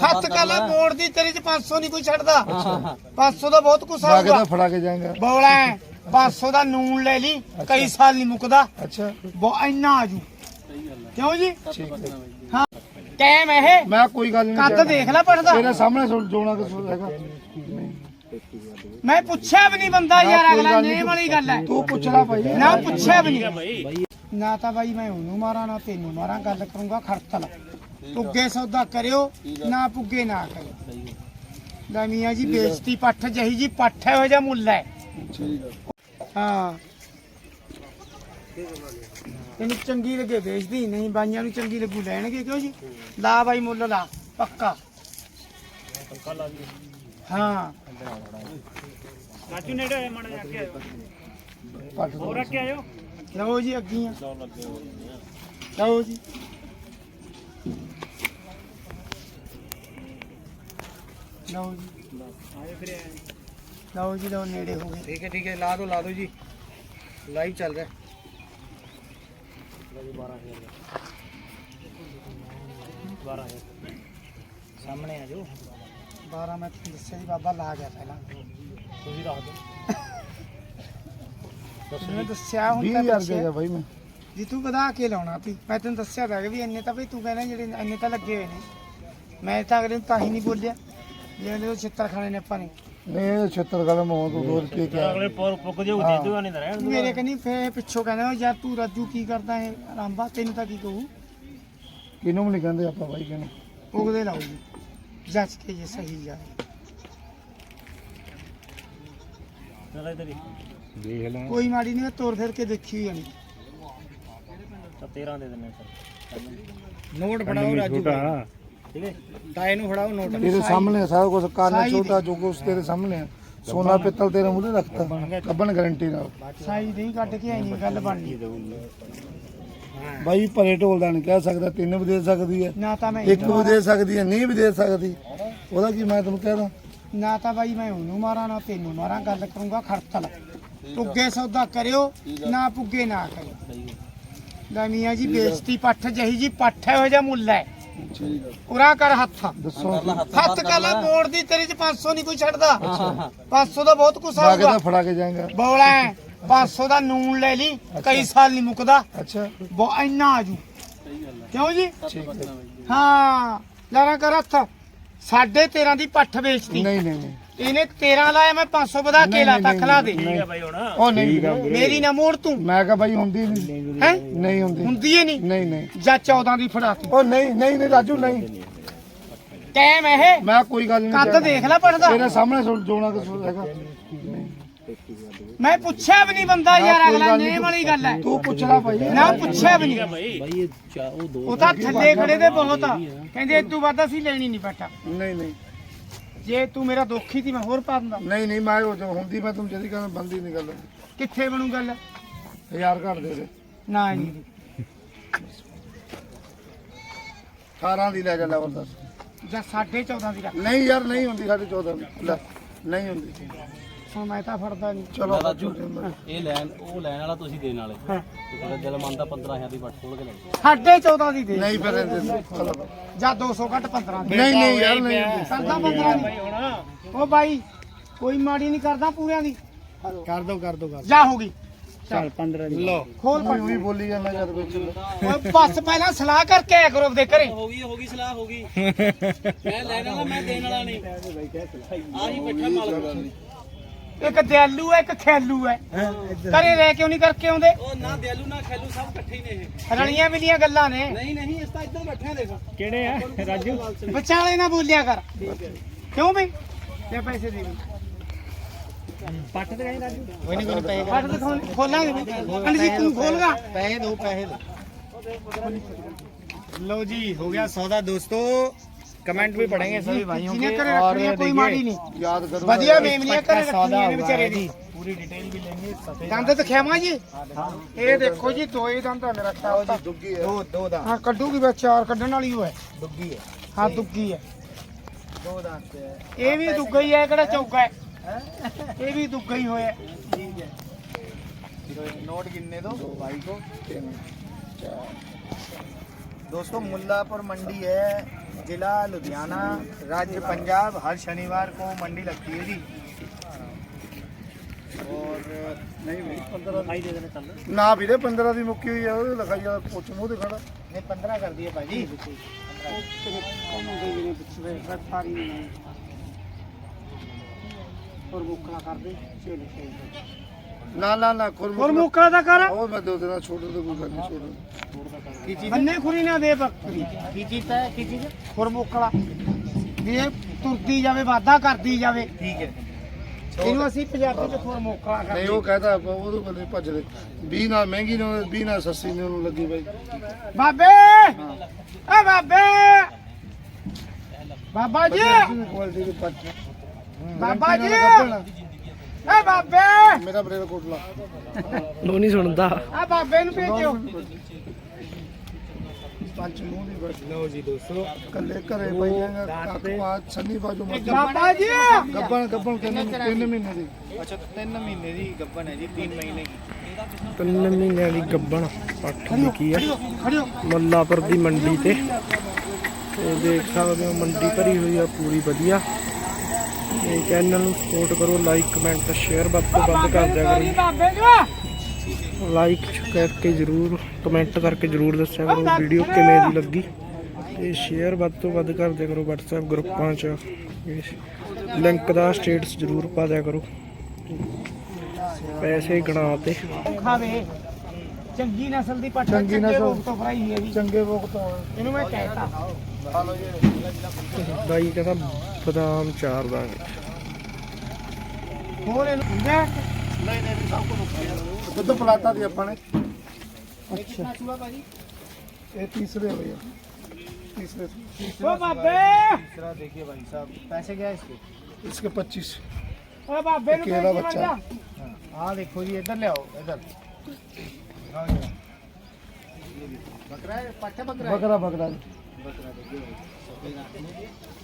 ਹੱਥ ਕਾਲਾ ਮੋੜ ਦੀ ਤੇਰੇ ਚ 500 ਨਹੀਂ ਕੋਈ ਛੱਡਦਾ 500 ਦਾ ਬਹੁਤ ਕੁਛ ਆਊਗਾ ਫੜਾ ਕੇ ਜਾਏਗਾ ਬੋਲਾ 500 ਦਾ ਨੂਨ ਲੈ ਲਈ ਕਈ ਸਾਲ ਨਹੀਂ ਮੁੱਕਦਾ ਅੱਛਾ ਇੰਨਾ ਆਜੂ ਕਿਉਂ ਜੀ ਠੀਕ ਹੈ ਹਾਂ ਟਾਈਮ ਇਹ ਮੈਂ ਕੋਈ ਗੱਲ ਨਹੀਂ ਕੱਦ ਦੇਖ ਲੈ ਪੜਦਾ ਤੇਰੇ ਸਾਹਮਣੇ ਜੋਣਾ ਕੁਛ ਹੈਗਾ ਮੈਂ ਪੁੱਛਿਆ ਵੀ ਨਹੀਂ ਬੰਦਾ ਯਾਰ ਅਗਲਾ ਨੇਮ ਵਾਲੀ ਗੱਲ ਹੈ ਤੂੰ ਪੁੱਛਣਾ ਭਾਈ ਨਾ ਪੁੱਛਿਆ ਵੀ ਨਹੀਂ ਨਾ ਤਾਂ ਬਾਈ ਮੈਂ ਉਹਨੂੰ ਮਾਰਾਂ ਨਾ ਤੈਨੂੰ ਮਾਰਾਂ ਗੱਲ ਕਰੂੰਗਾ ਖੜਤਲ ਪੁੱਗੇ ਸੌਦਾ ਕਰਿਓ ਨਾ ਪੁੱਗੇ ਨਾ ਕਰਿਓ ਲੈ ਮੀਆਂ ਜੀ ਬੇਇੱਜ਼ਤੀ ਪੱਠ ਜਹੀ ਜੀ ਪੱਠ ਹੈ ਉਹ ਜਿਹਾ ਮੁੱਲ ਹੈ ਹਾਂ ਤੈਨੂੰ ਚੰਗੀ ਲੱਗੇ ਵੇਚਦੀ ਨਹੀਂ ਬਾਈਆਂ ਨੂੰ ਚੰਗੀ ਲੱਗੂ ਲੈਣਗੇ ਕਿਉਂ ਜੀ ਲਾ ਬਾਈ ਮੁੱਲ ਲਾ ਪੱਕਾ ਹਾਂ ਰਾਜੂ ਨੇੜੇ ਮਣ ਜਾ ਕੇ ਆਇਓ ਹੋਰ ਰੱਖ ਕੇ ਆਇਓ ਲਓ ਜੀ ਅੱਗੀਆਂ ਲਓ ਜੀ ਲਓ ਜੀ ਆਏ ਫਿਰ ਲਓ ਜੀ ਲਓ ਨੇੜੇ ਹੋ ਗਏ ठीक है ला दो जी लाइव चल रहा है सामने आ जाओ 12 ਮੈਂ ਤੁਹਾਨੂੰ ਦੱਸਿਆ ਜੀ ਬਾਬਾ ਲਾ ਗਿਆ ਪਹਿਲਾਂ ਤੁਸੀਂ ਰੱਖ ਦਿਓ ਮੈਂ ਦੱਸਿਆ ਹੁਣ ਤਾਂ 20000 ਰੁਪਏ ਦਾ ਭਾਈ ਮੈਂ ਜੀ ਤੂੰ ਵਧਾ ਕੇ ਲਾਉਣਾ ਤੀ ਮੈਂ ਤੈਨੂੰ ਦੱਸਿਆ ਤਾਂ ਵੀ ਇੰਨੇ ਤਾਂ ਬਈ ਤੂੰ ਕਹਿੰਦਾ ਜਿਹੜੇ ਇੰਨੇ ਤਾਂ ਲੱਗੇ ਹੋਏ ਨੇ ਮੈਂ ਤਾਂ ਅਗਲੇ ਨੂੰ ਤਾਂ ਹੀ ਨਹੀਂ ਬੋਲਿਆ ਜਿਵੇਂ ਦੇ ਛਿੱਤਰ ਖਾਣੇ ਨੇ ਆਪਾਂ ਨੇ ਨਹੀਂ 76 ਕਲਮ ਹੋ ਤੂੰ 2 ਰੁਪਏ ਕਿਹਾ ਅਗਲੇ ਪੁੱਕ ਜੇ ਦੇ ਦੂਗਾ ਨਹੀਂ ਤਾਂ ਰਹਿਣ ਦੂਗਾ ਮੇਰੇ ਕਹਿੰਦੀ ਫੇ ਪਿੱਛੋਂ ਕਹਿੰਦਾ ਯਾਰ ਤੂੰ ਰਾਜੂ ਕੀ ਕਰਦਾ ਹੈ ਰਾਂਬਾ ਤੈਨੂੰ ਤਾਂ ਕੀ ਕਹੂ ਕਿਨੂੰ ਨਹੀਂ ਕਹਿੰਦੇ ਆਪਾਂ ਭਾਈ ਕਿਨੂੰ ਉਗਦੇ ਲਾਓ ਜੀ ਜੱਜ ਕੇ ਜੇ ਸਹੀ ਜਾਏ ਚਲ ਇਧਰ ਹੀ ਦੇਖ ਲੈ ਕੋਈ ਮਾੜੀ ਨਹੀਂ ਤੋੜ ਫਿਰ ਕੇ ਦੇਖੀ ਹੋਈ ਨਹੀਂ ਤਾਂ 13 ਦੇ ਦਿੰਨੇ ਸਰ ਨੋਟ ਫੜਾਓ ਰਾਜੂ ਠੀਕ ਹੈ ਤਾਏ ਨੂੰ ਫੜਾਓ ਨੋਟ ਤੇਰੇ ਸਾਹਮਣੇ ਹੈ ਸਾਰਾ ਕੁਝ ਕਾਨਾ ਛੋਟਾ ਜੋ ਕੁਝ ਤੇਰੇ ਸਾਹਮਣੇ ਹੈ ਸੋਨਾ ਪਿੱਤਲ ਤੇਰੇ ਮੂਹਰੇ ਰੱਖਤਾ ਕੱਬਣ ਗਾਰੰਟੀ ਨਾਲ ਸਾਈ ਨਹੀਂ ਕੱਢ ਕੇ ਆਈ ਨਹੀਂ ਗੱਲ ਬਣਨੀ ਬਾਈ ਭਰੇ ਢੋਲ ਦਾ ਨਹੀਂ ਕਹਿ ਸਕਦਾ 3 ਵੀ ਦੇ ਸਕਦੀ ਹੈ ਨਾ ਤਾਂ ਮੈਂ 1 ਵੀ ਦੇ ਸਕਦੀ ਹੈ ਨਹੀਂ ਵੀ ਦੇ ਸਕਦੀ ਉਹਦਾ ਕੀ ਮੈਂ ਤੈਨੂੰ ਕਹਿਦਾ ਨਾ ਤਾਂ ਬਾਈ ਮੈਂ ਉਹਨੂੰ ਮਾਰਾਂ ਨਾ ਤੈਨੂੰ ਮਾਰਾਂ ਗੱਲ ਕਰੂੰਗਾ ਖੜਤਲ ਪੁੱਗੇ ਸੌਦਾ ਕਰਿਓ ਨਾ ਪੁੱਗੇ ਨਾ ਕਰਿਓ ਲੈ ਮੀਆਂ ਜੀ ਬੇਇੱਜ਼ਤੀ ਪੱਠ ਜਹੀ ਜੀ ਪੱਠ ਹੈ ਉਹ ਜਿਹਾ ਮੁੱਲ ਹੈ ਉਰਾ ਕਰ ਹੱਥ ਦੱਸੋ ਹੱਥ ਕਾਲਾ ਮੋੜ ਦੀ ਤੇਰੇ ਚ 500 ਨਹੀਂ ਕੋਈ ਛੱਡਦਾ 500 ਦਾ ਬਹੁਤ ਕੁਛ ਆਊਗਾ ਤਾਂ ਫੜਾ ਕੇ ਜਾਏਗਾ ਬੋਲਾ 500 ਦਾ ਨੂਨ ਲੈ ਲਈ ਕਈ ਸਾਲ ਨਹੀਂ ਮੁੱਕਦਾ ਅੱਛਾ ਇੰਨਾ ਆਜੂ ਕਿਉਂ ਜੀ ਠੀਕ ਹੈ ਹਾਂ ਲੈਣਾ ਕਰ ਹੱਥ 13.5 ਦੀ ਪੱਠ ਵੇਚਤੀ ਨਹੀਂ ਨਹੀਂ ਨਹੀਂ ਇਹਨੇ 13 ਲਾਇਆ ਮੈਂ 500 ਵਧਾ ਕੇ ਲਾਤਾ ਖਲਾ ਦੇ ਠੀਕ ਹੈ ਬਾਈ ਹੁਣ ਉਹ ਨਹੀਂ ਮੇਰੀ ਨਾ ਮੋੜ ਤੂੰ ਮੈਂ ਕਿਹਾ ਬਾਈ ਹੁੰਦੀ ਨਹੀਂ ਹੈ ਨਹੀਂ ਹੁੰਦੀ ਹੁੰਦੀ ਏ ਨਹੀਂ ਨਹੀਂ ਨਹੀਂ ਜਾਂ 14 ਦੀ ਫੜਾਤੀ ਉਹ ਨਹੀਂ ਨਹੀਂ ਨਹੀਂ ਰਾਜੂ ਨਹੀਂ ਟਾਈਮ ਇਹ ਮੈਂ ਕੋਈ ਗੱਲ ਨਹੀਂ ਕੱਦ ਦੇਖ ਲੈ ਪੜਦਾ ਤੇਰੇ ਸਾਹਮਣੇ ਜੋਣਾ ਕੁਛ ਹੈਗਾ ਮੈਂ ਪੁੱਛਿਆ ਵੀ ਨਹੀਂ ਬੰਦਾ ਯਾਰ ਅਗਲਾ ਨੇਮ ਵਾਲੀ ਗੱਲ ਹੈ ਤੂੰ ਪੁੱਛਣਾ ਭਾਈ ਨਾ ਪੁੱਛਿਆ ਵੀ ਨਹੀਂ ਬਾਈ ਉਹ ਤਾਂ ਥੱਲੇ ਖੜੇ ਦੇ ਬਹੁਤ ਆ ਕਹਿੰਦੇ ਇਦੋਂ ਵੱਧ ਅਸੀਂ ਲੈਣੀ ਨਹੀਂ ਬੇਟਾ ਨਹੀਂ ਨਹੀਂ ਜੇ ਤੂੰ ਮੇਰਾ ਦੋਖੀ ਸੀ ਮੈਂ ਹੋਰ ਪਾ ਦਿੰਦਾ ਨਹੀਂ ਨਹੀਂ ਮੈਂ ਉਹ ਹੁੰਦੀ ਮੈਂ ਤੁਮ ਜਦੀ ਕਹਿੰਦਾ ਬੰਦੀ ਨਹੀਂ ਗੱਲ ਕਿੱਥੇ ਬਣੂ ਗੱਲ 1000 ਘੱਟ ਦੇ ਦੇ ਨਾ ਨਹੀਂ 18 ਦੀ ਲੈ ਜਾ ਲੈਵਲ ਦੱਸ ਜਾਂ 14.5 ਦੀ ਰੱਖ ਨਹੀਂ ਯਾਰ ਨਹੀਂ ਹੁੰਦੀ 14.5 ਦੀ ਲੈ ਨਹੀਂ ਹੁੰਦੀ ਹੁਣ ਮੈਂ ਤਾਂ ਫੜਦਾ ਨਹੀਂ ਚਲੋ ਰਾਜੂ ਇਹ ਲੈਣ ਉਹ ਲੈਣ ਵਾਲਾ ਤੁਸੀਂ ਦੇਣ ਵਾਲੇ ਹਾਂ। ਤੇ ਤੁਹਾਡਾ ਦਿਲ ਮੰਨਦਾ 15000 ਦੀ ਵੱਟ ਖੋਲ ਕੇ ਲੈ ਜਾਓ 14.5 ਦੀ ਦੇ ਨਹੀਂ ਫਿਰ ਚਲੋ ਜਾਂ 200 ਘੱਟ 15 ਦੀ ਨਹੀਂ ਨਹੀਂ ਯਾਰ ਨਹੀਂ ਹੁੰਦੀ। ਕਰਦਾ 15 ਦੀ ਉਹ ਬਾਈ ਕੋਈ ਮਾੜੀ ਨਹੀਂ ਕਰਦਾ ਪੂਰਿਆਂ ਦੀ ਕਰ ਦੋ ਜਾ ਹੋ ਗਈ ਚੱਲ 15 ਦੀ ਲੋ ਖੋਲ ਕੋਈ ਵੀ ਬੋਲੀ ਜਾਂਦਾ ਜਦ ਵਿੱਚ ਓਏ ਬਸ ਪਹਿਲਾਂ ਸਲਾਹ ਕਰਕੇ ਆਇਆ ਕਰੋ ਦੇ ਘਰੇ ਹੋ ਗਈ ਸਲਾਹ ਹੋ ਗਈ ਮੈਂ ਲੈਣ ਵਾਲਾ ਮੈਂ ਦੇਣ ਵਾਲਾ ਨਹੀਂ ਆਹੀ ਬੈਠਾ ਮਾਲਕ ਇੱਕ ਦਿਆਲੂ ਹੈ ਇੱਕ ਖਿਆਲੂ ਹੈ ਘਰੇ ਰਹਿ ਕਿਉਂ ਨਹੀਂ ਕਰਕੇ ਆਉਂਦੇ ਉਹ ਨਾ ਦਿਆਲੂ ਨਾ ਖੈਲੂ ਸਭ ਇਕੱਠੇ ਹੀ ਨੇ ਇਹ ਰਲੀਆਂ ਮਿਲੀਆਂ ਗੱਲਾਂ ਨੇ ਨਹੀਂ ਇਸ ਤਾਂ ਇੱਧਰ ਬੈਠੇ ਆ ਦੇਖ ਕਿਹੜੇ ਆ ਰਾਜੂ ਵਿਚਾਲੇ ਨਾ ਬੋਲਿਆ ਕਰ ਕਿਉਂ ਬਈ ਲੈ ਪੈਸੇ ਦੇ ਦੇ ਪੱਟ ਤੇ ਗਏ ਰਾਜੂ ਕੋਈ ਨਹੀਂ ਪੈਸੇ ਫੜ ਤੇ ਖੋਲਾਂਗੇ ਅੰਡ ਜੀ ਤੂੰ ਖੋਲਗਾ ਪੈਸੇ ਦੋ लो जी हो गया सौदा दोस्तों कमेंट भी पढ़ेंगे सभी भाइयों ਜਿਹਨੇ के ਘਰੇ और ਰੱਖਣੀ ਕੋਈ ਮਾੜੀ ਨਹੀਂ ਯਾਦ ਕਰੋ ਵਧੀਆ ਮੇਮਨੀਆਂ ਘਰੇ सौदा ਰੱਖਣੀਆਂ ਨੇ हुआ ਵਿਚਾਰੇ है ਦੀ जी पूरी डिटेल भी लेंगे सफेद ਦੰਦ ਦਿਖਾਵਾਂ ਜੀ ਇਹ ਦੇਖੋ ਜੀ ਦੋ ਹੀ ਦੰਦ ਆ ਮੇਰਾ ਖਿਆਲ ਤਾਂ ਦੁੱਗੀ ਹੈ दो दांत ਹਾਂ ਕੱਢੂਗੀ ਬਸ ਚਾਰ ਕੱਢਣ ਵਾਲੀ ਉਹ ਹੈ दुग्गी है ਹਾਂ ਦੁੱਗੀ ਹੈ दो दांत है ਇਹ ਵੀ ਦੁੱਗਾ ਹੀ ਹੈ ਕਿਹੜਾ ਚੌਗਾ ਹੈ ਇਹ ਵੀ ਦੁੱਗਾ ਹੀ ਹੋਇਆ ठीक है तो नोट गिनने दो भाई को दोस्तों मुल्लापुर मंडी है जिला लुधियाना, राज्य पंजाब। हर शनिवार को मंडी लगती है जी। और ਨਾ ਵੀਰੇ 15 ਦੀ ਮੁੱਕੀ ਹੋਈ ਆ ਉਹਦੇ ਲਿਖਾਈ ਵਾਲਾ ਪੁੱਛ ਮੂੰਹ ਤੇ ਖੜਾ नहीं 15 कर दिए भाई जी। ਨਾ ਨਾ ਨਾ ਮੁੱਕਾ ਦਾ ਕਰ ਉਹ ਮੈਂ ਦੋ ਦਿਨਾਂ ਛੋੜ ਦੇ ਕੋਈ ਗੱਲ ਨਹੀਂ ਛੋੜ की चीज ਬੰਨੇ ਖੁਰੀ ਨਾ ਦੇ ਬੱਕਰੀ की चीज है की चीज? ਖੁਰਮੁਕਲਾ ਵੀ ਇਹ ਤੁਰਦੀ ਜਾਵੇ ਵਾਧਾ ਕਰਦੀ ਜਾਵੇ ठीक है। ਇਹਨੂੰ ਅਸੀਂ ਪੰਜਾਬੀ ਚ ਖੁਰਮੁਕਲਾ ਨਹੀਂ ਕਰਦੇ ਉਹ ਕਹਦਾ ਉਹਦੇ ਬੰਦੇ ਭੱਜਦੇ 20 ਨਾਲ ਮਹਿੰਗੀ ਨੇ 20 ਨਾਲ ਸਸਤੀ ਨੇ ਉਹਨੂੰ ਲੱਗੀ ਬਾਈ ਬਾਬੇ ਏ ਬਾਬੇ ਬਾਬਾ ਜੀ ਕੁਆਲਿਟੀ ਦੇ ਪੱਟ ਬਾਬਾ ਜੀ ਏ ਬਾਬੇ ਮੇਰਾ ਬਰੇਲ ਕੋਟਲਾ ਉਹ ਨਹੀਂ ਸੁਣਦਾ ਆ ਬਾਬੇ ਨੂੰ ਭੇਜੋ ਪੰਜ ਮੂੰਹ ਦੀ ਬਸ लो जी दोस्तों, ਕੱਲੇ ਘਰੇ ਪਈ ਜਾਂਗਾ ਕੱਖ ਬਾਤ ਸੰਨੀ ਬਾਜੂ ਮਰਜੀ ਬਾਬਾ ਜੀ ਗੱਬਣ ਗੱਬਣ 3 ਮਹੀਨੇ ਦੀ। अच्छा 3 महीने की गब्बन है जी, 3 महीने की। 3 ਮਹੀਨਿਆਂ ਦੀ ਗੱਬਣ ਪੱਠ ਵਿਕੀ ਆ ਖੜਿਓ ਮੁੱਲਾਪੁਰ ਦੀ ਮੰਡੀ ਤੇ ਦੇਖ ਸਕਦੇ ਹੋ ਮੰਡੀ ਭਰੀ ਹੋਈ ਆ ਪੂਰੀ ਵਧੀਆ। ਤੇ ਚੈਨਲ ਨੂੰ ਸਪੋਰਟ ਕਰੋ, ਲਾਈਕ ਕਮੈਂਟ ਸ਼ੇਅਰ ਵੱਧ ਤੋਂ ਵੱਧ ਕਰ ਦਿਆ ਕਰੋ। ਬਾਬੇ ਨੂੰ ਲਾਈਕ ਕਰਕੇ ਜ਼ਰੂਰ ਕਮੈਂਟ ਕਰਕੇ ਜ਼ਰੂਰ ਦੱਸਿਆ ਕਰੋ ਵੀਡੀਓ ਕਿਵੇਂ ਦੀ ਲੱਗੀ ਤੇ ਸ਼ੇਅਰ ਵੱਧ ਤੋਂ ਵੱਧ ਕਰ ਦਿਆ ਕਰੋ WhatsApp ਗਰੁੱਪਾਂ 'ਚ। ਲਿੰਕ ਦਾ ਸਟੇਟਸ ਜ਼ਰੂਰ ਪਾ ਦਿਆ ਕਰੋ। ਪੈਸੇ ਗਣਾ ਤੇ ਖਾਵੇ ਚੰਗੀ ਨਸਲ ਦੀ ਪੱਠ ਚੰਗੀ ਚੰਗੇ ਨਸਲ। ਰੋਗ ਤੋਂ ਭਰਾਈ ਹੈ ਜੀ ਚੰਗੇ ਵੋਕ ਤੋਂ ਇਹਨੂੰ ਮੈਂ ਕਹਿਤਾ ਬਾਈ ਕਹਿੰਦਾ ਬਦਾਮ ਚਾਰ ਦਾਂਗੇ। ਹੋਰ ਇਹਨੂੰ ਹੁੰਦਾ ਦੁੱਧ ਪਲਾਤਾ ਦੀ ਆਪਾਂ ਨੇ ਅੱਛਾ ਇਹ ਤੀਸਰੇ ਹੋਏ ਆ तीसरे ओ बाबे तीसरा देखिए भाई साहब, पैसे क्या है इसके? इसके 25। ओ बाबे नु अकेला भेजी बच्चा। बंदा। हाँ देखो जी, इधर ले आओ, इधर दिखाओ जरा। ये देखो, बकरा है, पट्टा बकरा है। बकरा बकरा बकरा देखिए भाई, सफेद आंखें।